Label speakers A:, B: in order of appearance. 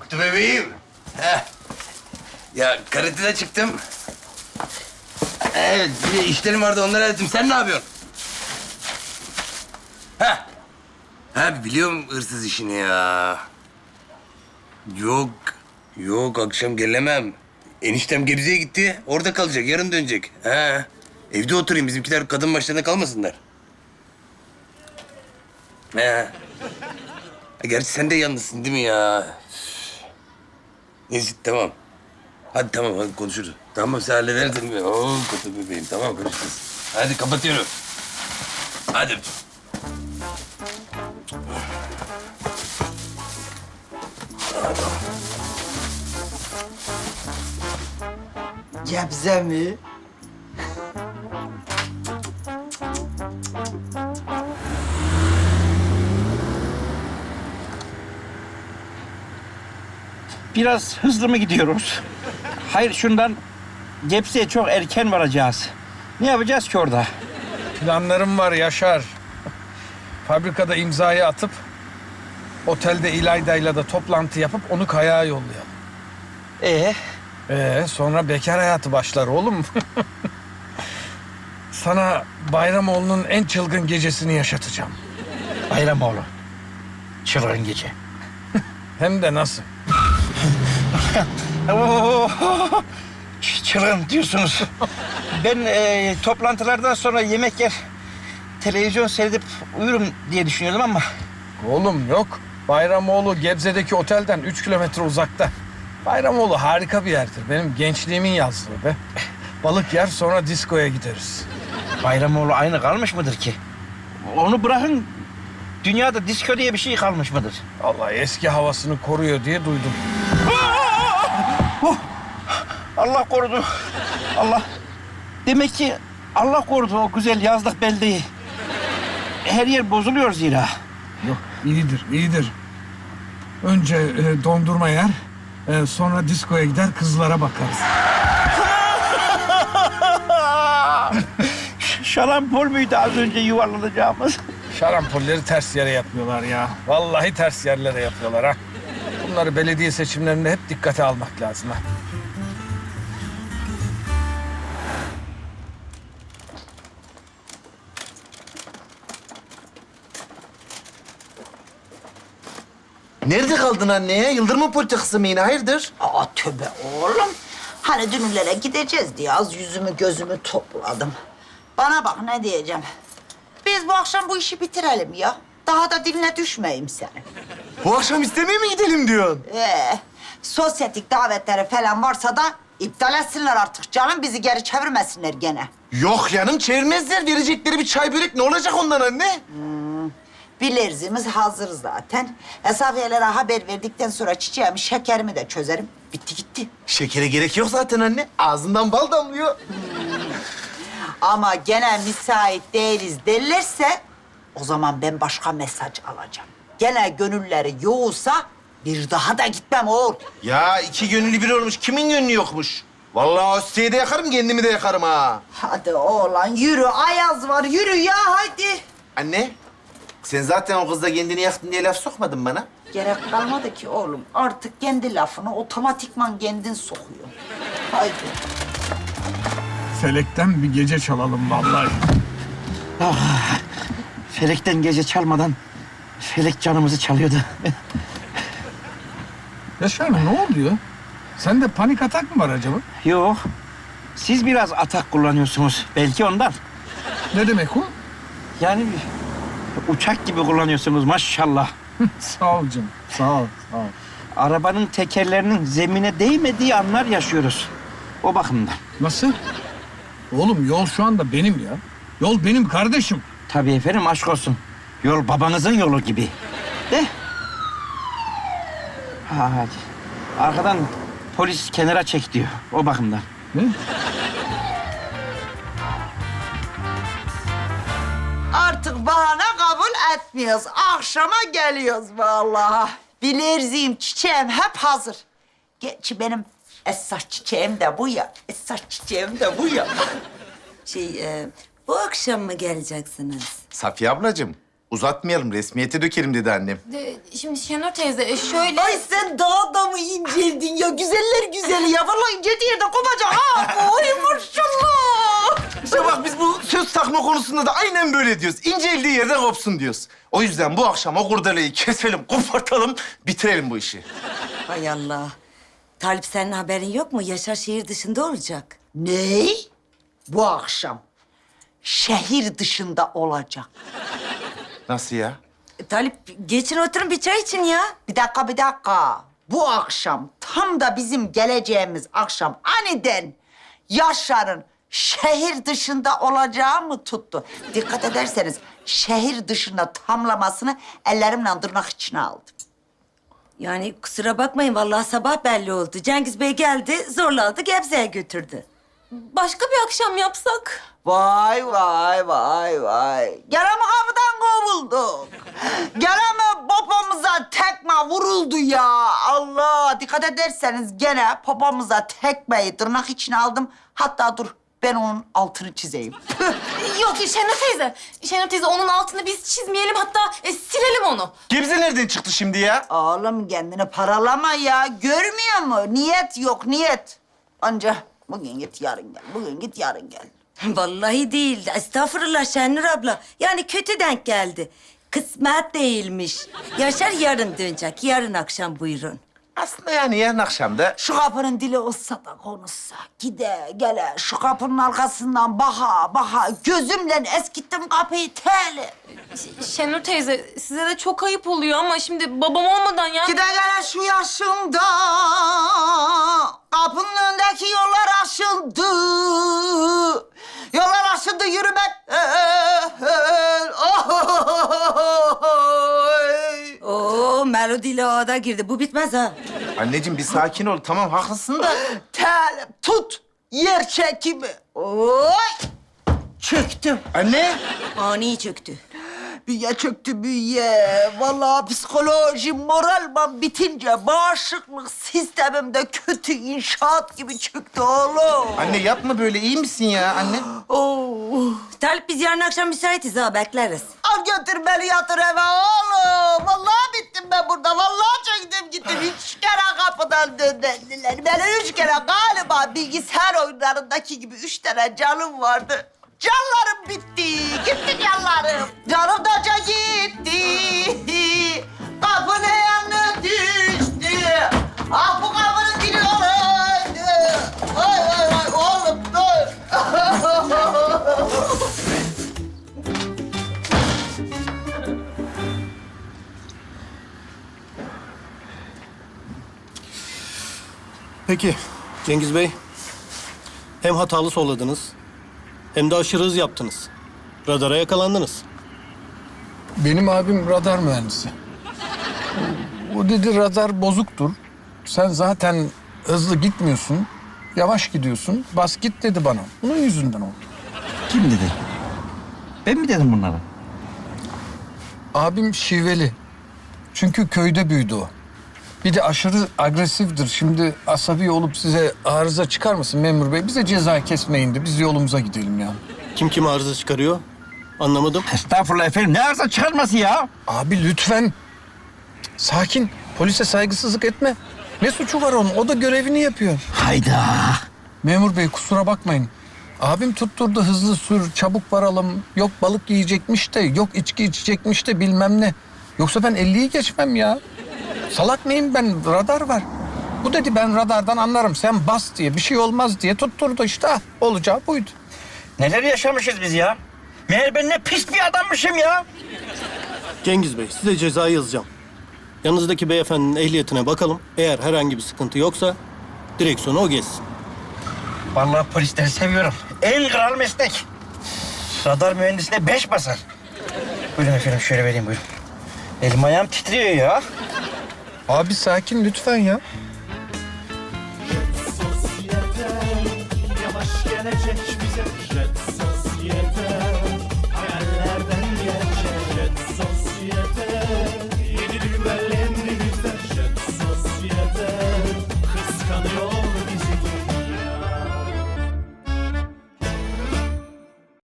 A: Mutlu bebeğim. Heh. Ya karatede çıktım. Evet, bir de işlerim vardı onları hallettim. Sen ne yapıyorsun? Ha? Ha biliyorum hırsız işini ya. Yok, yok akşam gelemem. Eniştem Gebze'ye gitti. Orada kalacak, yarın dönecek. Ha. Evde oturayım, bizimkiler kadın başlarına kalmasınlar. Ha. Gerçi sen de yalnızsın değil mi ya? Neyse tamam. Hadi tamam hadi konuşuruz. Tamam sen halledersin. Oo kötü bebeğim tamam konuşuruz. Hadi kapatıyorum. Hadi.
B: Gebze mi?
C: Biraz hızlı mı gidiyoruz? Hayır şundan Gebze'ye çok erken varacağız. Ne yapacağız ki orada?
D: Planlarım var Yaşar. Fabrikada imzayı atıp otelde İlayda'yla da toplantı yapıp onu kayağa yollayalım. Sonra bekar hayatı başlar oğlum. Sana Bayramoğlu'nun en çılgın gecesini yaşatacağım.
C: Bayramoğlu. Çılgın gece.
D: Hem de nasıl?
C: Oo, çılgın diyorsunuz. Ben toplantılardan sonra yemek yer, televizyon seyredip uyurum diye düşünüyordum ama...
D: Oğlum yok. Bayramoğlu Gebze'deki otelden 3 kilometre uzakta. Bayramoğlu harika bir yerdir. Benim gençliğimin yazlığı be. Balık yer sonra diskoya gideriz.
C: Bayramoğlu aynı kalmış mıdır ki? Onu bırakın, dünyada disko diye bir şey kalmış mıdır?
D: Allah eski havasını koruyor diye duydum.
C: Allah korudu. Allah. Demek ki Allah korudu o güzel yazlık beldeyi. Her yer bozuluyor zira.
D: Yok iyidir, iyidir. Önce dondurma yer, sonra diskoya gider kızlara bakarız.
C: Şarampol müydü az önce yuvarlanacağımız?
D: Şarampolleri ters yere yapıyorlar ya. Vallahi ters yerlere yapıyorlar ha. Bunları belediye seçimlerinde hep dikkate almak lazım ha.
B: Nerede kaldın anneye? Yıldırma politikası mı yine? Hayırdır?
E: Aa tövbe oğlum. Hani dünürlere gideceğiz diye az yüzümü gözümü topladım. Bana bak ne diyeceğim. Biz bu akşam bu işi bitirelim ya. Daha da diline düşmeyeyim senin.
B: Bu akşam istemeye mi gidelim diyorsun?
E: Sosyetik davetleri falan varsa da iptal etsinler artık canım. Bizi geri çevirmesinler gene.
B: Yok yanım çevirmezler. Verecekleri bir çay börek ne olacak ondan anne?
E: Bilerzimiz hazır zaten. Esafiyelere haber verdikten sonra çiçeğimi, şekerimi de çözerim. Bitti gitti.
B: Şekere gerek yok zaten anne. Ağzından bal damlıyor.
E: Ama gene müsait değiliz derlerse o zaman ben başka mesaj alacağım. Gene gönülleri yoğulsa bir daha da gitmem oğul.
B: Ya iki gönüllü bir olmuş. Kimin gönlü yokmuş? Vallahi o siteyi de yakarım, kendimi de yakarım ha.
E: Hadi oğlan yürü, ayaz var yürü ya hadi.
B: Anne, sen zaten o kızla kendini yaktın diye laf sokmadın bana.
E: Gerek kalmadı ki oğlum. Artık kendi lafını otomatikman kendin sokuyor. Haydi.
D: Felekten bir gece çalalım vallahi.
C: Felekten gece çalmadan felek canımızı çalıyordu.
D: Yaşar ne oluyor? Sende panik atak mı var acaba?
C: Yok. Siz biraz atak kullanıyorsunuz. Belki ondan.
D: Ne demek o?
C: Yani uçak gibi kullanıyorsunuz maşallah.
D: Sağ ol canım. Sağ ol. Sağ ol.
C: Arabanın tekerlerinin zemine değmediği anlar yaşıyoruz. O bakımdan.
D: Nasıl? Oğlum yol şu anda benim ya. Yol benim kardeşim.
C: Tabii efendim aşk olsun. Yol babanızın yolu gibi. De. Hadi. Arkadan polis kenara çek diyor. O bakımdan.
D: Ne?
E: Artık bahane kabul etmiyoruz. Akşama geliyoruz vallahi. Bilerziyim, çiçeğim hep hazır. Gerçi benim esas çiçeğim de bu ya. Esas çiçeğim de bu ya.
F: Bu akşam mı geleceksiniz?
B: Safiye ablacığım, Uzatmayalım, resmiyete dökerim dedi annem.
F: Şimdi Şenur teyze şöyle...
E: Ay sen daha da mı inceldin ya? Güzeller güzeli ya. Vallahi inceldiği yerde kopacak ha. Oy maşallah.
B: İşte bak biz bu söz takma konusunda da aynen böyle diyoruz. İnceldiği yerden kopsun diyoruz. O yüzden bu akşam o kurdeleyi keselim, kopartalım, bitirelim bu işi.
G: Hay Allah. Talip senin haberin yok mu? Yaşar şehir dışında olacak.
E: Ne? Bu akşam şehir dışında olacak.
B: Nasıl ya?
G: Talip geçin oturun bir çay için ya.
E: Bir dakika. Bu akşam tam da bizim geleceğimiz akşam aniden Yaşar'ın şehir dışında olacağı mı tuttu? Dikkat ederseniz şehir dışında tamlamasını ellerimle tırnak içine aldım.
G: Yani kusura bakmayın vallahi sabah belli oldu. Cengiz Bey geldi zorla aldı Gebze'ye götürdü.
F: Başka bir akşam yapsak?
E: Vay. Gene mi kapıdan kovulduk? Gene mi popomıza tekme vuruldu ya? Allah! Dikkat ederseniz gene popomuza tekmeyi tırnak içine aldım. Hatta dur ben onun altını çizeyim.
F: Yok Şenur teyze. Şenur teyze onun altını biz çizmeyelim hatta silelim onu.
B: Gebze nereden çıktı şimdi ya?
E: Oğlum kendini paralama ya. Görmüyor mu? Niyet yok, niyet. Anca bugün git yarın gel. Bugün git yarın gel.
G: Vallahi değil. Estağfurullah Şenur abla. Yani kötü denk geldi. Kısmet değilmiş. Yaşar yarın dönecek. Yarın akşam buyurun.
B: Aslında yani yarın akşam da...
E: Şu kapının dili olsa da konuşsa. Gide gele şu kapının arkasından baha. Gözümle eskittim kapıyı teli.
F: Şenur teyze size de çok ayıp oluyor ama şimdi babam olmadan yani...
E: Gide gele şu yaşımda kapının önündeki yollar aşıldı. Yollar aşıldı yürümek.
G: Oo melodiyle ağda girdi. Bu bitmez ha.
B: Anneciğim bir sakin ol. Tamam haklısın da.
E: Tel tut yer çekimi. Oy! Çöktüm.
B: Anne.
G: Ani çöktü.
E: Bünye çöktü bünye. Vallahi psikolojim, moralman bitince bağışıklık sistemimde kötü inşaat gibi çöktü oğlum.
B: Anne yapma böyle. İyi misin ya anne?
E: Oh.
G: Talip biz yarın akşam müsaitiz ha bekleriz.
E: Al götür beni yatır eve oğlum. Vallahi bittim ben burada. Vallahi çöktüm gittim. 3 kere kapıdan döndüler. Beni 3 kere galiba bilgisayar oyunlarındaki gibi 3 tane canım vardı. Canlarım bitti. Gitti canlarım. Canım da gitti. Kapının yanına düştü. Ah bu kapının dili olaydı. Vay oğlum dur.
H: Peki Cengiz Bey, hem hatalı solladınız hem de aşırı hız yaptınız. Radara yakalandınız.
D: Benim abim radar mühendisi. O dedi radar bozuktur. Sen zaten hızlı gitmiyorsun. Yavaş gidiyorsun. Bas git dedi bana. Bunun yüzünden oldu.
C: Kim dedi? Ben mi dedim bunları?
D: Abim şiveli. Çünkü köyde büyüdü o. Bir de aşırı agresiftir. Şimdi asabi olup size arıza çıkarmasın memur bey. Bize ceza kesmeyin de biz yolumuza gidelim ya.
H: Kim kime arıza çıkarıyor? Anlamadım.
C: Estağfurullah efendim. Ne arıza çıkarması ya?
D: Abi lütfen. Sakin. Polise saygısızlık etme. Ne suçu var onun? O da görevini yapıyor.
C: Hayda.
D: Memur bey kusura bakmayın. Abim tutturdu hızlı sür, çabuk varalım. Yok balık yiyecekmiş de, yok içki içecekmiş de bilmem ne. Yoksa ben 50'yi geçmem ya. Salak mıyım ben? Radar var. Bu dedi ben radardan anlarım. Sen bas diye bir şey olmaz diye tutturdu işte. Ah, olacağı buydu.
C: Neler yaşamışız biz ya? Meğer ben ne pis bir adammışım ya.
H: Cengiz Bey, size cezayı yazacağım. Yanınızdaki beyefendinin ehliyetine bakalım. Eğer herhangi bir sıkıntı yoksa direksiyonu o geçsin.
C: Vallahi polisleri seviyorum. En kral meslek. Radar mühendisine 5 basar. Buyurun efendim şöyle vereyim buyurun. Elim ayağım titriyor ya.
D: Abi sakin lütfen ya.